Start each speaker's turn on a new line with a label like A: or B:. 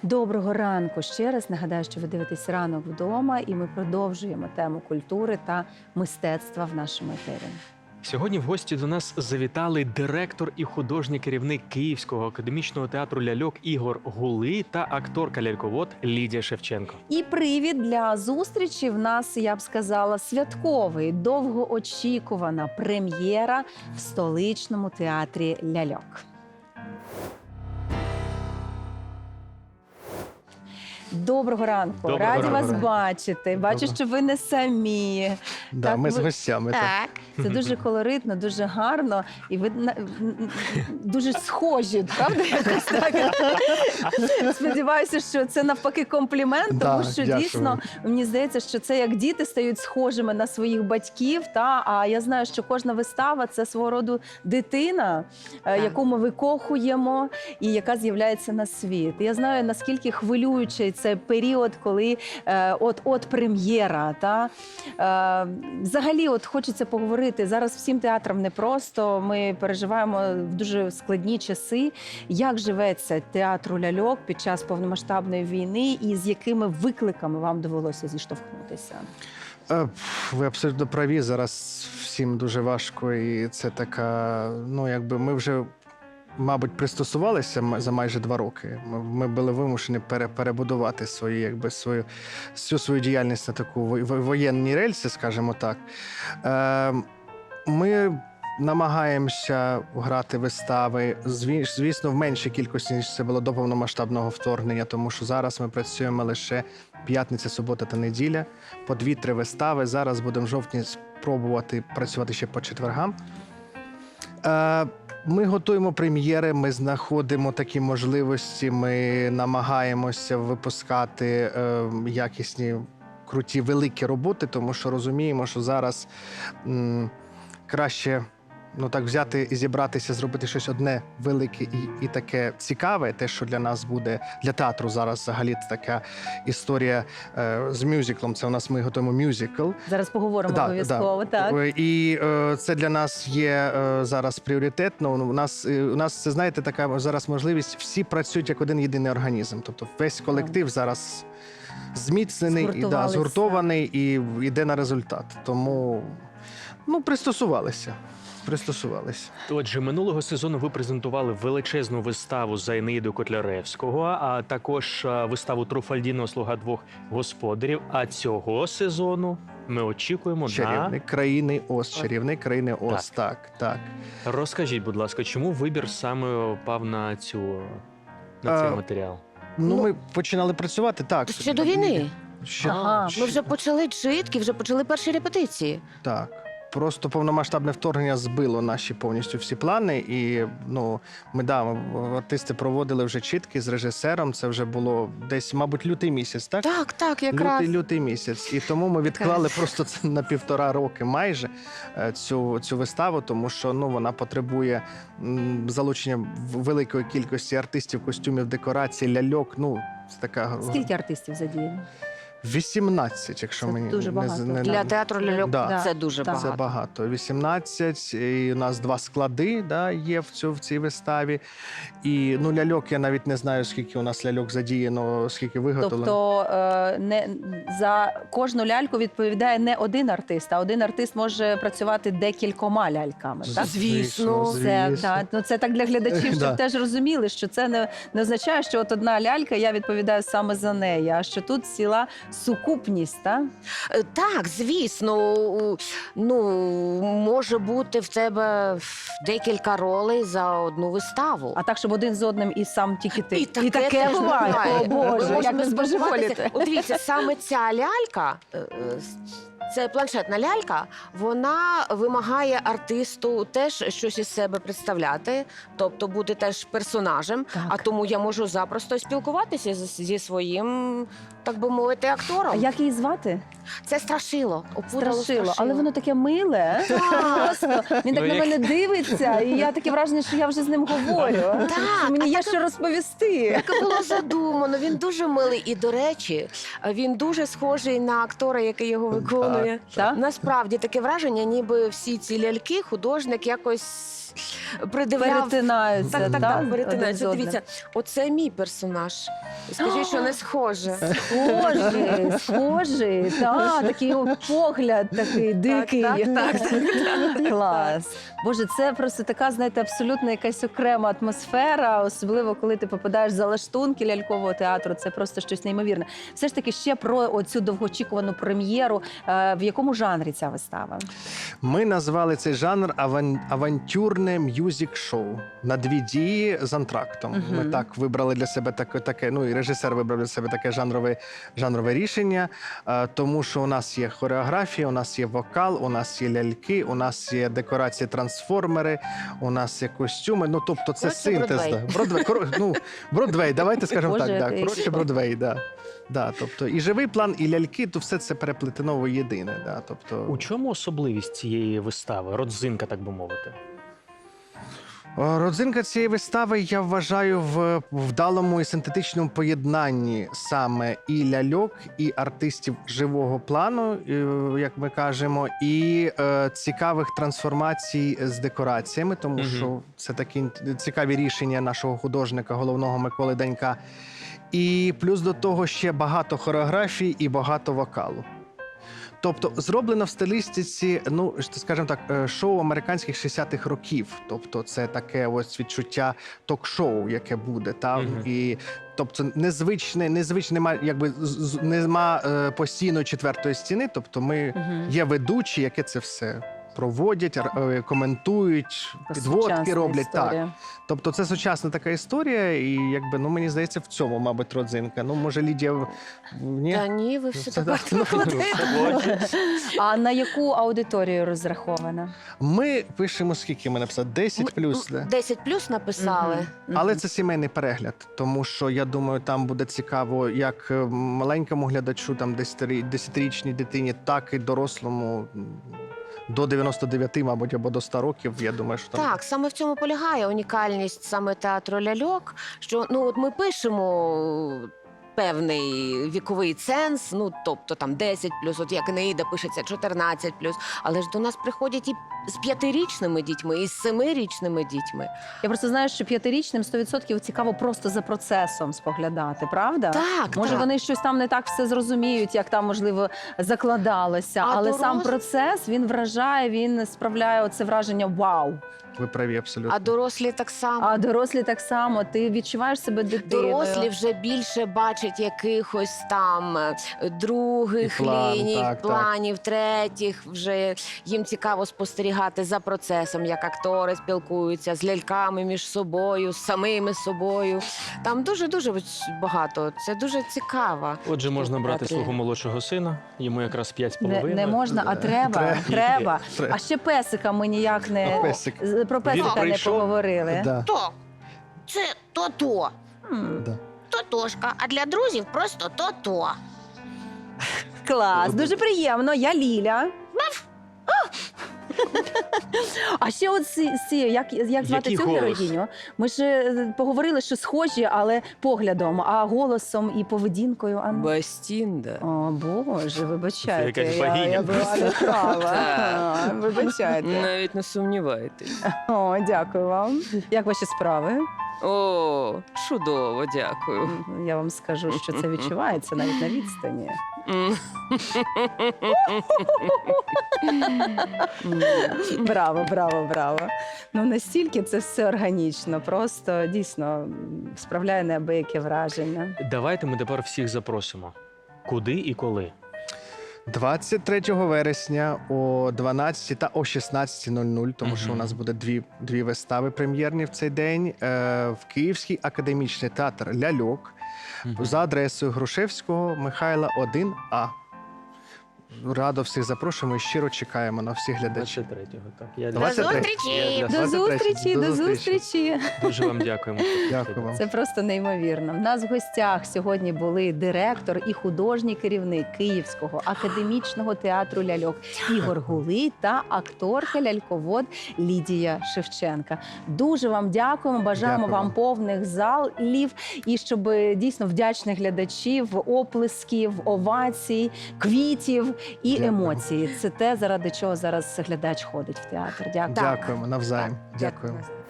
A: Доброго ранку ще раз. Нагадаю, що ви дивитесь «Ранок вдома» і ми продовжуємо тему культури та мистецтва в нашому етері.
B: Сьогодні в гості до нас завітали директор і художній керівник Київського академічного театру ляльок Ігор Гулий та акторка-ляльковод Лідія Шевченко.
A: І привід для зустрічі в нас, я б сказала, святковий, довгоочікувана прем'єра в столичному театрі ляльок. Доброго ранку.
B: Доброго
A: Раді
B: ранку.
A: вас бачити. Бачу, що ви не самі.
C: Да,
A: Так,
C: ми з
A: ви-
C: гостями. Так.
A: Це дуже колоритно, дуже гарно. І ви дуже схожі, правда? Якось так. Сподіваюся, що це навпаки комплімент, тому
C: Да,
A: що
C: дякую.
A: дійсно мені здається, що це як діти стають схожими на своїх батьків. А я знаю, що кожна вистава це свого роду дитина, яку ми викохуємо і яка з'являється на світ. Я знаю, наскільки хвилюючий це період, коли от прем'єра. Взагалі, от хочеться поговорити. Зараз всім театрам непросто. Ми переживаємо в дуже складні часи. Як живеться театру ляльок під час повномасштабної війни і з якими викликами вам довелося зіштовхнутися?
C: Ви абсолютно праві. Зараз всім дуже важко, і це така. Ну, якби ми вже, мабуть, пристосувалися за майже 2 роки. Ми були вимушені перебудувати всю свою діяльність на таку воєнні рельси, скажімо так. Ми намагаємося грати вистави, звісно, в меншій кількості, ніж це було до повномасштабного вторгнення, тому що зараз ми працюємо лише п'ятниця, субота та неділя, по 2-3 вистави. Зараз будемо в жовтні спробувати працювати ще по четвергам. Ми готуємо прем'єри, ми знаходимо такі можливості, ми намагаємося випускати якісні, круті, великі роботи, тому що розуміємо, що зараз краще так взяти і зібратися, зробити щось одне велике і таке цікаве, те, що для нас буде, для театру зараз взагалі це така історія з мюзиклом. Це у нас ми готуємо мюзикл.
A: Зараз поговоримо обов'язково. Так.
C: І це для нас є зараз пріоритетно. У нас це, знаєте, така зараз можливість, всі працюють як один єдиний організм. Тобто весь колектив зараз зміцнений, згуртований і йде на результат. Тому пристосувалися.
B: Отже, минулого сезону ви презентували величезну виставу за Енеїду Котляревського, а також виставу Труфальдіно «Слуга двох господарів». А цього сезону ми очікуємо
C: «Чарівник країни Оз». «Чарівник країни Оз», так.
B: Розкажіть, будь ласка, чому вибір саме пав на цей матеріал?
C: Ми починали працювати, так.
D: Ще до війни. Ми вже почали читки, вже почали перші репетиції.
C: Так. Просто повномасштабне вторгнення збило наші повністю всі плани. І артисти проводили вже читки з режисером. Це вже було десь, мабуть, лютий місяць, так?
D: Так, якраз.
C: Лютий місяць. І тому ми відклали просто це на 1,5 роки майже цю виставу, тому що вона потребує залучення великої кількості артистів, костюмів, декорацій, ляльок.
A: Скільки артистів задіяно?
C: 18, якщо
A: це
C: мені
A: дуже багато.
D: Для театру ляльок це дуже
A: Так.
D: багато.
C: Це багато. 18, і у нас 2 склади є в цій виставі. І ляльок, я навіть не знаю, скільки у нас ляльок задіяно, скільки виготовлено.
A: Тобто за кожну ляльку відповідає не один артист, а один артист може працювати декількома ляльками. Так?
D: Звісно.
A: Це так для глядачів, щоб
C: Да.
A: теж розуміли, що це не означає, що от одна лялька, я відповідаю саме за неї, а що тут ціла сукупність, так?
D: Так, звісно. Може бути в тебе декілька ролей за одну виставу.
A: А так, щоб один з одним і сам тільки ти.
D: І таке
A: теж буває. О, Боже,
D: Ми
A: як
D: можемо
A: ви збожеволіте.
D: От дивіться, саме ця лялька, це планшетна лялька, вона вимагає артисту теж щось із себе представляти, тобто бути теж персонажем,
A: Так.
D: а тому я можу запросто спілкуватися зі своїм, так би мовити,
A: А
D: актором.
A: як її звати?
D: Це Страшило. Опудало
A: Страшило. Але воно таке миле. Просто він так на
B: як-
A: мене дивиться, і я таке враження, що я вже з ним говорю.
D: Так,
A: Мені
D: а
A: є
D: так-
A: що розповісти.
D: Так було задумано, він дуже милий. І, до речі, він дуже схожий на актора, який його виконує.
A: Так?
D: Насправді таке враження, ніби всі ці ляльки художник якось придивляв.
A: Перетинаються,
D: Так,
A: один з
D: перетинаються.
A: одним.
D: Дивіться, оце мій персонаж. Скажіть, що не схоже.
A: Схожий, так, такий погляд такий дикий.
D: Так.
A: Клас. Боже, це просто така, знаєте, абсолютно якась окрема атмосфера, особливо коли ти попадаєш за лаштунки лялькового театру. Це просто щось неймовірне. Все ж таки ще про оцю довгоочікувану прем'єру. В якому жанрі ця вистава?
C: Ми назвали цей жанр авантюрне мюзик-шоу на 2 дії з антрактом.
A: Мгм.
C: Ми так вибрали для себе таке, ну і режисер вибрав для себе таке жанрове рішення, тому що у нас є хореографія, у нас є вокал, у нас є ляльки, у нас є декорації трансформери, у нас є костюми. Ну тобто це
D: Коротше,
C: синтез.
D: Бродвей.
C: Да. Бродвей, давайте скажемо
A: Боже,
C: так. Да.
A: який
C: Коротше,
A: клас.
C: Бродвей, да. Да, тобто і живий план, і ляльки, то все це переплетено в єдине. Да, тобто...
B: У чому особливість цієї вистави? Родзинка, так би мовити.
C: Родзинка цієї вистави, я вважаю, в вдалому і синтетичному поєднанні саме і ляльок, і артистів живого плану, як ми кажемо, і цікавих трансформацій з декораціями, тому
B: Мгм.
C: що це такі цікаві рішення нашого художника, головного Миколи Данька. І плюс до того ще багато хореографій і багато вокалу. Тобто зроблено в стилістиці, ну скажімо так, шоу американських 60-х років. Тобто, це таке ось відчуття ток-шоу, яке буде. Там
B: Мгм.
C: і тобто незвичне, нема, якби нема постійної четвертої стіни. Тобто, ми є ведучі, які це все проводять, коментують, підводки
A: Сучасна
C: роблять.
A: історія.
C: Так. Тобто, це сучасна така історія, і якби ну мені здається, в цьому, мабуть, родзинка. Ну, може, Лідія ні?
D: Та ні, ви все
C: Це
D: так
C: так, ну,
A: А на яку аудиторію розрахована?
C: Ми пишемо, скільки ми написали? 10 плюс. Да?
D: 10 плюс написали.
A: Мгм.
C: Але це сімейний перегляд, тому що я думаю, там буде цікаво як маленькому глядачу, там 10-річній дитині, так і дорослому до 99, мабуть, або до 100 років. Я думаю, що там
D: Так, саме в цьому полягає унікальність саме театру ляльок, що ну от ми пишемо певний віковий ценз, ну тобто там 10 от як Енеїда пишеться 14 але ж до нас приходять і з 5-річними дітьми, і з 7-річними дітьми.
A: Я просто знаю, що 5-річним 100% цікаво просто за процесом споглядати, правда?
D: Так,
A: Може,
D: так.
A: вони щось там не так все зрозуміють, як там, можливо, закладалося.
D: А
A: Але сам
D: дорос-
A: процес, він вражає, він справляє оце враження «Вау».
C: ви праві абсолютно.
D: А дорослі так само.
A: А дорослі так само. Ти відчуваєш себе дитиною.
D: Дорослі вже більше бачать якихось там других
C: І план,
D: ліній,
C: так,
D: планів, третіх. Вже їм цікаво спостерігати за процесом, як актори спілкуються з ляльками між собою, з самими собою. Там дуже-дуже багато. Це дуже цікаво.
B: Отже, можна брати
D: Театрі.
B: свого молодшого сина, йому якраз 5,5.
A: Не можна, а треба.
C: Треба.
A: А ще песика ми ніяк не
C: А песик?
A: про песика не
B: прийшов?
A: поговорили.
C: Да.
E: То, це то-то.
A: М,
C: Да.
E: Тотошка, а для друзів просто то-то.
A: Клас, дуже приємно. Я Ліля. А ще от як звати
B: Який
A: цю
B: голос?
A: героїню? Ми ж поговорили, що схожі, але поглядом, а голосом і поведінкою.
D: Бастінда.
A: О, Боже, вибачайте.
B: Це якась богиня.
A: Я була не права.
D: Так.
A: А, Вибачайте.
D: Навіть не сумнівайтесь.
A: О, дякую вам. Як ваші справи?
D: О, чудово, дякую.
A: Я вам скажу, що це відчувається навіть на відстані. Браво, браво, браво. Ну настільки це все органічно, просто дійсно справляє неабияке враження.
B: Давайте ми тепер всіх запросимо. Куди і коли?
C: 23 вересня о 12 та о 16:00, тому що у нас буде дві вистави прем'єрні в цей день, в Київський академічний театр ляльок за адресою Грушевського Михайла 1А. Радо всіх запрошуємо і щиро чекаємо на всіх глядачів.
B: 23-го, так. Я
E: До
C: 23.
E: зустрічі!
A: До
C: 23.
A: зустрічі,
C: До
A: до
C: зустрічі.
A: зустрічі.
B: дуже вам дякуємо.
C: Дякую вам.
A: Це просто неймовірно. В нас в гостях сьогодні були директор і художній керівник Київського академічного театру ляльок Ігор Гулий та акторка ляльковод Лідія Шевченка. Дуже вам дякуємо. Бажаємо
C: Дякую
A: вам
C: вам.
A: повних залів і щоб дійсно вдячних глядачів, оплесків, овацій, квітів і
C: Дякую.
A: емоції. Це те, заради чого зараз глядач ходить в театр. Дякую.
C: Дякуємо навзаєм.
D: Так,
C: Дякуємо.
D: дякую.